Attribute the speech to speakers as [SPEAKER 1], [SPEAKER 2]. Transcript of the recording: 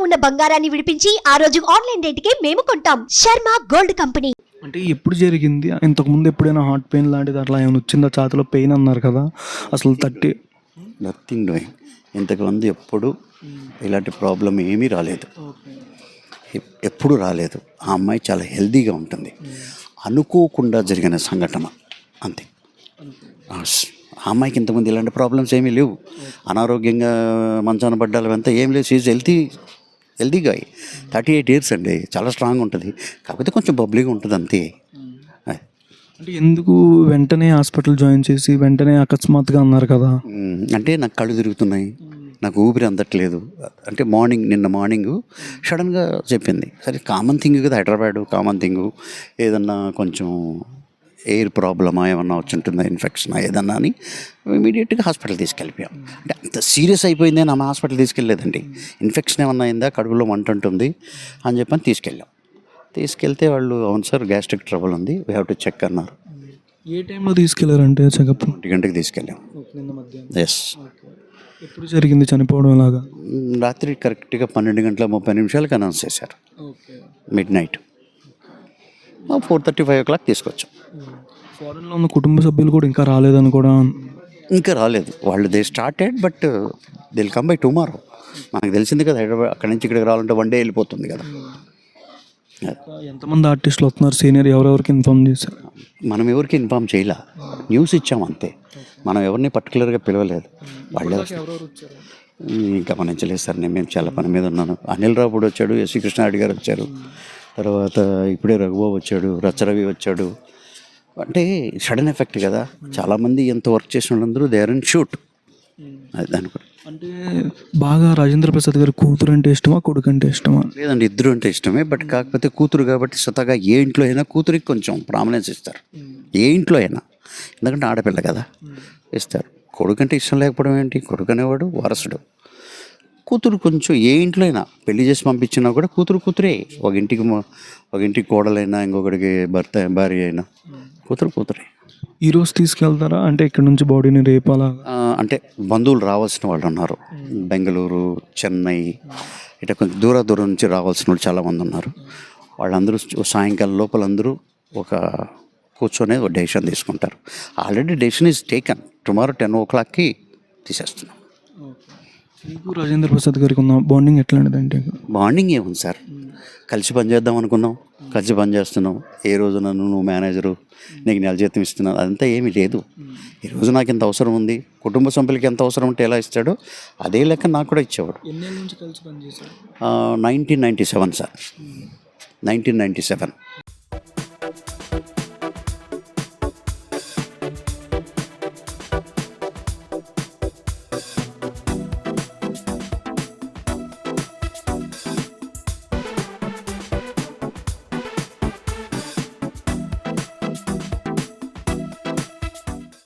[SPEAKER 1] ఉన్న బంగారాన్ని విడిపించి ఆ రోజు ఆన్లైన్ రేటుకే మేము కొంటాం. Sharma gold company.
[SPEAKER 2] అంటే ఎప్పుడు జరిగింది? ఇంతకుముందు ఎప్పుడైనా హార్ట్ పెయిన్ లాంటిది అట్లా ఏమైనా వచ్చిందా? ఛాతీలో పెయిన్ అన్నారు కదా, అసలు
[SPEAKER 3] నథింగ్ డూయింగ్. ఇంతకుముందు ఎప్పుడు ఇలాంటి ప్రాబ్లం ఏమీ రాలేదు, ఎప్పుడు రాలేదు. ఆ అమ్మాయి చాలా హెల్తీగా ఉంటుంది. అనుకోకుండా జరిగిన సంఘటన అంతే. ఆ అమ్మాయికి ఇంతకుముందు ఇలాంటి ప్రాబ్లమ్స్ ఏమీ లేవు. అనారోగ్యంగా మంచాన పడ్డాలు అంతా ఏం లేదు. షీజ్ హెల్తీగా 38 years అండి, చాలా స్ట్రాంగ్ ఉంటుంది. కాకపోతే కొంచెం బబ్లీగా ఉంటుంది అంతే.
[SPEAKER 2] అంటే ఎందుకు వెంటనే హాస్పిటల్ జాయిన్ చేసి వెంటనే అకస్మాత్తుగా అన్నారు కదా?
[SPEAKER 3] అంటే నాకు కళ్ళు తిరుగుతున్నాయి, నాకు ఊపిరి అందట్లేదు అంటే నిన్న మార్నింగ్ సడన్గా చెప్పింది. సరే కామన్ థింగ్ కదా, హైదరాబాదు కామన్ థింగ్. ఏదన్నా కొంచెం ఎయిర్ ప్రాబ్లమా ఏమన్నా వచ్చి ఉంటుందా, ఇన్ఫెక్షనా ఏదన్నా అని ఇమీడియట్గా హాస్పిటల్ తీసుకెళ్ళిపోయాం. అంటే అంత సీరియస్ అయిపోయింది అని ఆమె హాస్పిటల్ తీసుకెళ్ళలేదండి. ఇన్ఫెక్షన్ ఏమన్నా అయిందా, కడుపులో మంట ఉంటుంది అని చెప్పని తీసుకెళ్తే వాళ్ళు అవును సార్ గ్యాస్ట్రిక్ ట్రబుల్ ఉంది, వీ హ్యావ్ టు చెక్ అన్నారు.
[SPEAKER 2] ఏ టైంలో తీసుకెళ్లారంటే చెకప్?
[SPEAKER 3] 1 గంటకి తీసుకెళ్ళాం. ఎస్.
[SPEAKER 2] ఎప్పుడు జరిగింది చనిపోవడం లాగా?
[SPEAKER 3] రాత్రి కరెక్ట్గా 12:30 అనౌన్స్ చేశారు. మిడ్-నైట్ 4:30-5 o'clock తీసుకొచ్చాం.
[SPEAKER 2] ఫారెన్లో ఉన్న కుటుంబ సభ్యులు కూడా ఇంకా రాలేదని కూడా?
[SPEAKER 3] ఇంకా రాలేదు వాళ్ళు. They started but they will come by tomorrow. మనకు తెలిసింది కదా, హైదరాబాద్ అక్కడి నుంచి ఇక్కడికి రావాలంటే 1 day వెళ్ళిపోతుంది కదా.
[SPEAKER 2] ఎంతమంది ఆర్టిస్టులు వస్తున్నారు సీనియర్? ఎవరెవరికి ఇన్ఫార్మ్ చేశారు?
[SPEAKER 3] మనం ఎవరికి ఇన్ఫార్మ్ చేయలే, న్యూస్ ఇచ్చాం అంతే. మనం ఎవరిని పర్టికులర్గా పిలవలేదు. వాళ్ళే ఇంకా గమనించలేదు సార్. మేము చాలా పని మీద ఉన్నాను. అనిల్ రావుడు వచ్చాడు, ఎస్వి కృష్ణారెడ్డి గారు వచ్చారు, తర్వాత ఇప్పుడే రఘుబాబు వచ్చాడు, రచ్చరవి వచ్చాడు. అంటే సడన్ ఎఫెక్ట్ కదా. చాలామంది ఎంత వర్క్ చేసిన వాళ్ళందరూ దే ఆర్ ఇన్ షూట్. అది దాని
[SPEAKER 2] అంటే బాగా రాజేంద్ర ప్రసాద్ గారి కూతురు అంటే ఇష్టమా, కొడుకు అంటే ఇష్టమా?
[SPEAKER 3] లేదండి, ఇద్దరు అంటే ఇష్టమే. బట్ కాకపోతే కూతురు కాబట్టి స్వతహాగా ఏ ఇంట్లో అయినా కూతురికి కొంచెం ప్రామినెన్స్ ఇస్తారు, ఏ ఇంట్లో అయినా. ఎందుకంటే ఆడపిల్ల కదా, ఇస్తారు. కొడుకు అంటే ఇష్టం లేకపోవడం ఏంటి? కొడుకు అనేవాడు వారసుడు. కూతురు కొంచెం ఏ ఇంట్లో అయినా పెళ్లి చేసి పంపించినా కూడా కూతురే. ఒక ఇంటికి కోడలైనా, ఇంకొకటికి భార్య అయినా కూతురే.
[SPEAKER 2] ఈరోజు తీసుకెళ్తారా? అంటే ఇక్కడ నుంచి బాడీని రేపాలా?
[SPEAKER 3] అంటే బంధువులు రావాల్సిన వాళ్ళు ఉన్నారు, బెంగళూరు, చెన్నై, ఇట్లా కొంచెం దూరం నుంచి రావాల్సిన వాళ్ళు చాలామంది ఉన్నారు. వాళ్ళందరూ సాయంకాలం లోపల అందరూ ఒక కూర్చొని ఒక డెసిషన్ తీసుకుంటారు. Already decision is taken. Tomorrow 10 o'clockకి తీసేస్తున్నాం.
[SPEAKER 2] మీకు రాజేంద్ర ప్రసాద్ గారికి ఉన్న బాండింగ్ ఎట్లాంటిదంటే?
[SPEAKER 3] బాండింగ్ ఏముంది సార్, కలిసి పనిచేద్దాం అనుకున్నాం, కలిసి పని చేస్తున్నాం. ఏ రోజు నువ్వు మేనేజరు, నీకు నెల జీతం ఇస్తున్నాను అదంతా ఏమీ లేదు. ఈరోజు నాకు ఎంత అవసరం ఉంది, కుటుంబ సభ్యులకి ఎంత అవసరం ఉంటే ఎలా ఇస్తాడో అదే లెక్క నాకు కూడా ఇచ్చేవాడు.
[SPEAKER 2] 1997
[SPEAKER 3] సార్, 1997.